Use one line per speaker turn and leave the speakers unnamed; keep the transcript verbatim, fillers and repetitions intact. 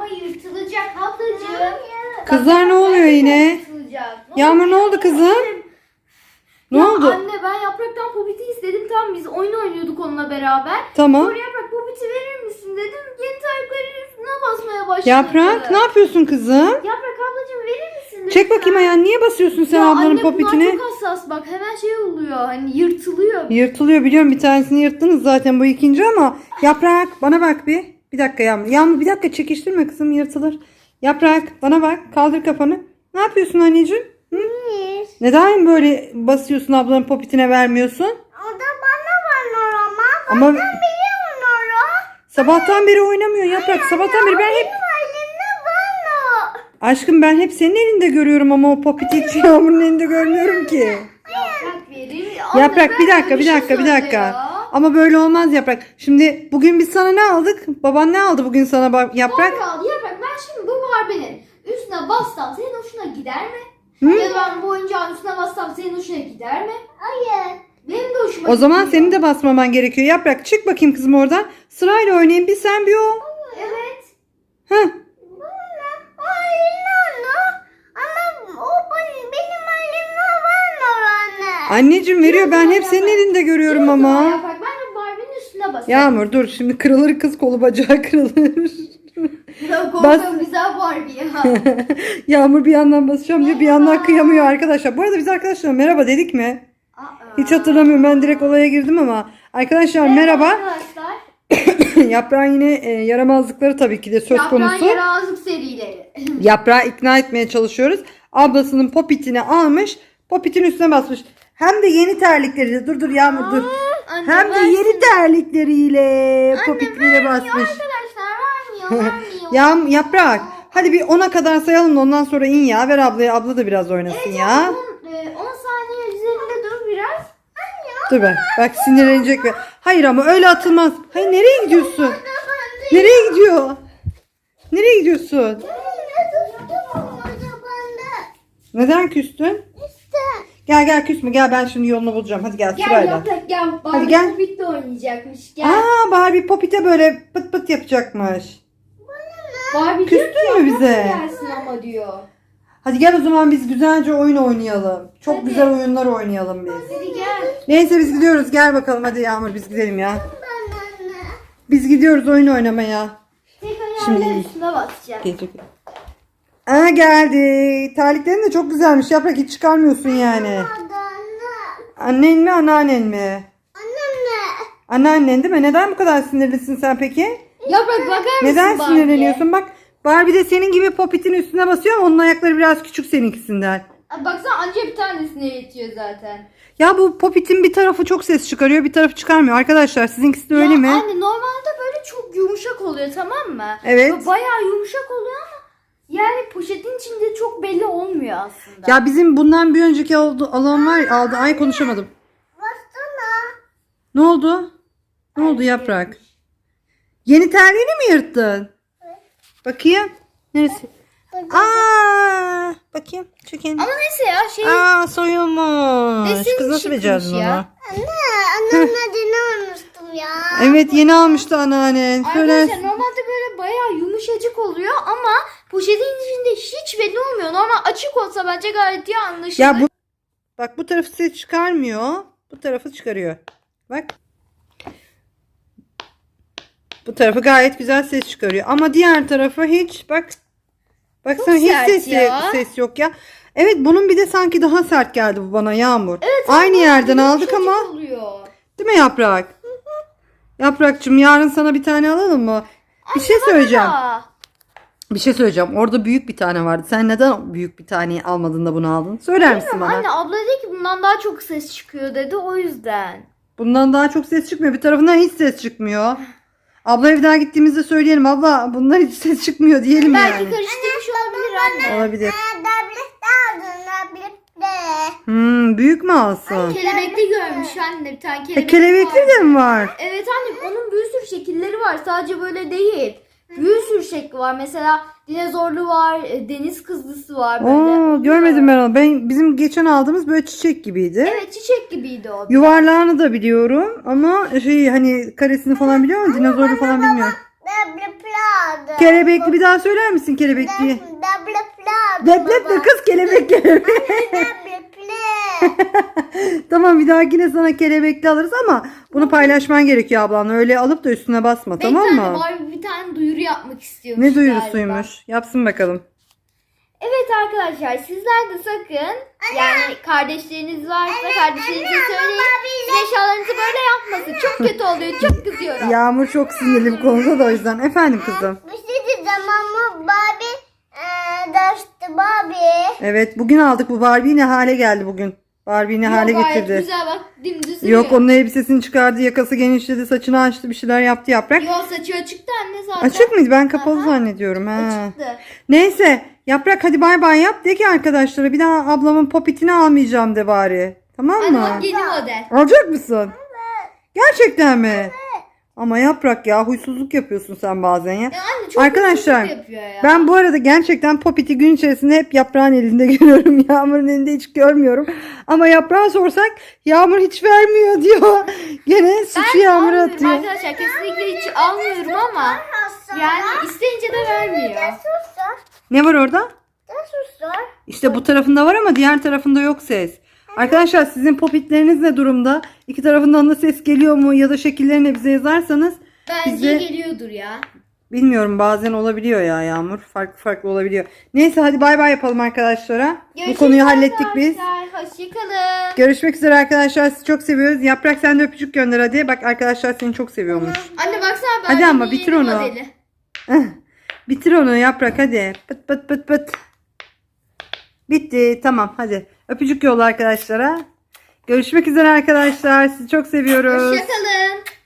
yırtılacak ablacığım.
Kızlar ne oluyor yine? Yağmur ne oldu kızım? Ne
Ya
oldu?
anne ben yapraktan popiti istedim. Tamam biz oyun oynuyorduk onunla beraber.
Tamam.
Sonra yaprak popiti verir misin dedim. Yeni tariflerin üstüne basmaya başladı.
Yaprak ne yapıyorsun kızım?
Yaprak ablacığım verir misin lütfen?
Çek bakayım ayağını. Niye basıyorsun sen
Ya
ablanın
anne
popitine?
bunlar çok hassas bak. Hemen şey oluyor. Hani yırtılıyor.
Yırtılıyor biliyorum, bir tanesini yırttınız zaten, bu ikinci ama Yaprak bana bak bir. Bir dakika Yağmur. Yağmur bir dakika çekiştirme kızım, yırtılır. Yaprak bana bak, kaldır kafanı. Ne yapıyorsun anneciğim? Hı? Neden böyle basıyorsun, ablanın popitine vermiyorsun?
O da bana var ama.
Ama
Biliyorum Nora.
sabahtan beri oynamıyor Yaprak. Sabahtan beri ben hep...
Elimde var.
Aşkım ben hep senin elinde görüyorum ama o popiti hiç Yağmur'un elinde görmüyorum ki.
Yaprak verir. Anne,
Yaprak bir
ver
dakika bir
şey
dakika bir
söyle
dakika.
ya.
Ama böyle olmaz Yaprak. Şimdi bugün biz sana ne aldık? Baban ne aldı bugün sana bak Yaprak?
Barbie aldı. Yaprak ben şimdi bu Barbie'nin üstüne bassam senin hoşuna gider mi?
Hı?
Ya da ben bu oyuncağın üstüne bassam senin hoşuna gider mi?
Hayır.
Benim de hoşuma
O zaman
gidiyor.
senin de basmaman gerekiyor. Yaprak çık bakayım kızım oradan. Sırayla oynayın, bir sen bir o.
Evet.
Heh.
Hayır Nora. Ama o benim, benim elimde var Nora anne.
Anneciğim veriyor, ben hep senin elinde görüyorum
O zaman
ama.
Yaprak ben de Barbie'nin üstüne basayım.
Yağmur dur, şimdi kırılır kız, kolu bacağı kırılır.
Ya
Bas.
korkuyorum güzel Barbie ya.
Yağmur bir yandan basacağım diyor, bir yandan kıyamıyor arkadaşlar. Bu arada biz arkadaşlar merhaba dedik mi?
Aa.
Hiç hatırlamıyorum, ben direkt olaya girdim ama. Arkadaşlar merhaba.
Arkadaşlar.
Yaprağın yine e, yaramazlıkları tabii ki de söz
Yaprağın
konusu.
yaramazlık serileri.
Yaprağı ikna etmeye çalışıyoruz. Ablasının popitini almış, popitin üstüne basmış. Hem de yeni terlikleriyle. Dur dur Yağmur dur.
Anne,
Hem de
versin.
yeni terlikleriyle popitliğine basmış.
Arkadaşlar vermiyor vermiyor.
Ya Yaprak, hadi bir ona kadar sayalım da ondan sonra in ya. Ver ablaya, abla da biraz oynasın ya.
on, e, on saniye üzerinde dur biraz.
Dur be, bak sinirlenecek ve hayır ama öyle atılmaz. Hayır, nereye gidiyorsun? Nereye gidiyor? Nereye gidiyorsun? Neden küstün? Gel gel küsme, gel ben şimdi yolunu bulacağım. Hadi gel
Gel
sırayla.
Yaprak gel.
Hadi
Barbie
gel.
Popit'le oynayacakmış. Gel.
Aa, Barbie popite böyle pıt pıt yapacakmış.
Barbie
küstün
diyor ki,
mü
Yaprak
bize?
gelsin ama diyor.
Hadi gel o zaman biz güzelce oyun oynayalım. Çok
Hadi.
güzel oyunlar oynayalım biz.
Hadi gel.
Neyse biz gidiyoruz. Gel bakalım hadi Yağmur, biz gidelim ya. Biz gidiyoruz oyun oynamaya.
Tek
Şimdi-
ayağıyla üstüne basacak.
Gelecek. Aa, geldi. Terliklerin de çok güzelmiş. Yaprak hiç çıkarmıyorsun yani. Annen mi anneannen mi? Anneannen değil mi? Neden bu kadar sinirlisin sen peki?
Yaprak bakar mısın
Neden
Barbie'ye?
sinirleniyorsun? Bak Barbie de senin gibi popitin üstüne basıyor ama onun ayakları biraz küçük seninkisinden.
Aa, baksana anca bir tanesine yetiyor zaten.
Ya bu popitin bir tarafı çok ses çıkarıyor, bir tarafı çıkarmıyor. Arkadaşlar sizinkisi de öyle
ya
mi?
Anne normalde böyle çok yumuşak oluyor tamam mı?
Evet.
Böyle bayağı yumuşak oluyor ama yani poşetin içinde çok belli olmuyor aslında.
Ya bizim bundan bir önceki oldu, alan var ya, aldı. Ay konuşamadım. Ne oldu? Ne oldu Yaprak? Yeni terliğini mi yırttın? Bakayım. Neresi? Aa, bakayım. Çekin.
Ama neyse ya şey
Aa, soyulmuş.
Desin
Kız nasıl
çıkmış
becerdin
ya.
onu?
Annemle dini almıştım ya.
Evet, yeni almıştı anneannen. Söyle.
arkadaşlar normalde böyle bayağı yumuşacık oluyor ama poşetin içinde hiç belli olmuyor. Normal açık olsa bence gayet iyi anlaşılır.
Ya bu bak, bu tarafı ses çıkarmıyor. Bu tarafı çıkarıyor. Bak. Bu tarafı gayet güzel ses çıkarıyor. Ama diğer tarafı hiç, bak. Baksana hiç
sert
ses,
ya.
ses yok ya. Evet, bunun bir de sanki daha sert geldi bu bana Yağmur.
Evet,
Aynı
ama
yerden aldık
yumuşacık
ama.
oluyor.
Değil mi Yaprak? Yaprakçığım, yarın sana bir tane alalım mı? Bir şey söyleyeceğim.
Aa,
Bir şey söyleyeceğim. Orada büyük bir tane vardı. Sen neden büyük bir taneyi almadın da bunu aldın? Söyler misin bana?
anne abla dedi ki bundan daha çok ses çıkıyor dedi o yüzden.
Bundan daha çok ses çıkmıyor. Bir tarafından hiç ses çıkmıyor. Abla evden gittiğimizde söyleyelim. Abla bundan hiç ses çıkmıyor diyelim
Belki
yani.
karıştırmış olabilir anne.
Olabilir.
Tablet aldın tablet.
Hmm, büyük mü alsın?
Kelebekli görmüş anne bir tane
E,
kelebek
kelebekli
vardı.
de mi var?
Evet anne onun bir sürü şekilleri var sadece böyle değil. Bir sürü şekli var mesela dinozorlu var, e, deniz kızlısı var böyle.
Oo, görmedim ben onu. Ben, bizim geçen aldığımız böyle çiçek gibiydi.
Evet çiçek gibiydi o.
Yuvarlağını da biliyorum ama şey, hani karesini falan biliyor musun? Dinozorlu falan bilmiyorum.
Tablet plado.
Kelebekli bir daha söyler misin kelebekli?
Double plado.
Leblep de kız kelebek kelebek.
Double play.
Tamam bir dahakine sana kelebekli alırız ama bunu paylaşman gerekiyor ablanla. Öyle alıp da üstüne basma, tamam
Bir tane
mı?
Barbie bir tane duyuru yapmak istiyormuş
Ne
galiba.
duyurusuymuş? Yapsın bakalım.
Evet arkadaşlar, sizler de sakın yani kardeşleriniz varsa kardeşlerinize söyleyin. Siz eşyalarınızı böyle yapmasın. Çok kötü oluyor. Çok kızıyorum.
Yağmur çok sinirli bu konuda da o yüzden. Efendim kızım.
Bir şey diyeceğim ama Barbie eee derste Barbie.
Evet bugün aldık bu Barbie ne hale geldi bugün. Barbie ne hale
Yok, gayet
getirdi.
güzel bak, dümdüz duruyor.
Yok onun elbisesini çıkardı, yakası genişledi, saçını açtı, bir şeyler yaptı Yaprak.
Yok, saçı açıktı anne zaten.
Açık mıydı? Ben kapalı
Aha.
zannediyorum. Ha.
Açıktı.
Neyse Yaprak hadi bay bay yap de ki arkadaşlara bir daha ablamın popitini almayacağım de bari. Tamam
Anne
mı?
bak, yeni model.
Alacak mısın? Gerçekten mi? Ama Yaprak ya huysuzluk yapıyorsun sen bazen ya.
Ya anne çok
Arkadaşlar
huysuzluk yapıyor ya.
ben bu arada gerçekten popiti gün içerisinde hep Yaprağın elinde görüyorum. Yağmur'un elinde hiç görmüyorum. Ama Yaprağa sorsak Yağmur hiç vermiyor diyor. Gene suçu
Ben
Yağmur'a
almıyorum
atıyor.
arkadaşlar, kesinlikle hiç almıyorum ama yani isteyince de vermiyor.
Susar.
Ne var orada?
Da susar.
İşte bu tarafında var ama diğer tarafında yok ses. Arkadaşlar sizin popitleriniz ne durumda? İki tarafından da ses geliyor mu ya da şekillerini bize yazarsanız
Bence
bize
geliyordur ya.
bilmiyorum bazen olabiliyor ya Yağmur. Farklı farklı olabiliyor. Neyse hadi bay bay yapalım arkadaşlara.
Görüşürüz
Bu konuyu hallettik biz.
arkadaşlar. Hoşçakalın.
Görüşmek üzere arkadaşlar. Sizi çok seviyoruz. Yaprak sen de öpücük gönder hadi. Bak arkadaşlar seni çok seviyormuş.
Anne baksana, ben
Hadi ama bitir onu.
Modeli.
Bitir onu Yaprak hadi. Pıt pıt pıt pıt. Bitti tamam hadi. Öpücük yolla arkadaşlara. Görüşmek üzere arkadaşlar. Sizi çok seviyoruz.
Hoşçakalın.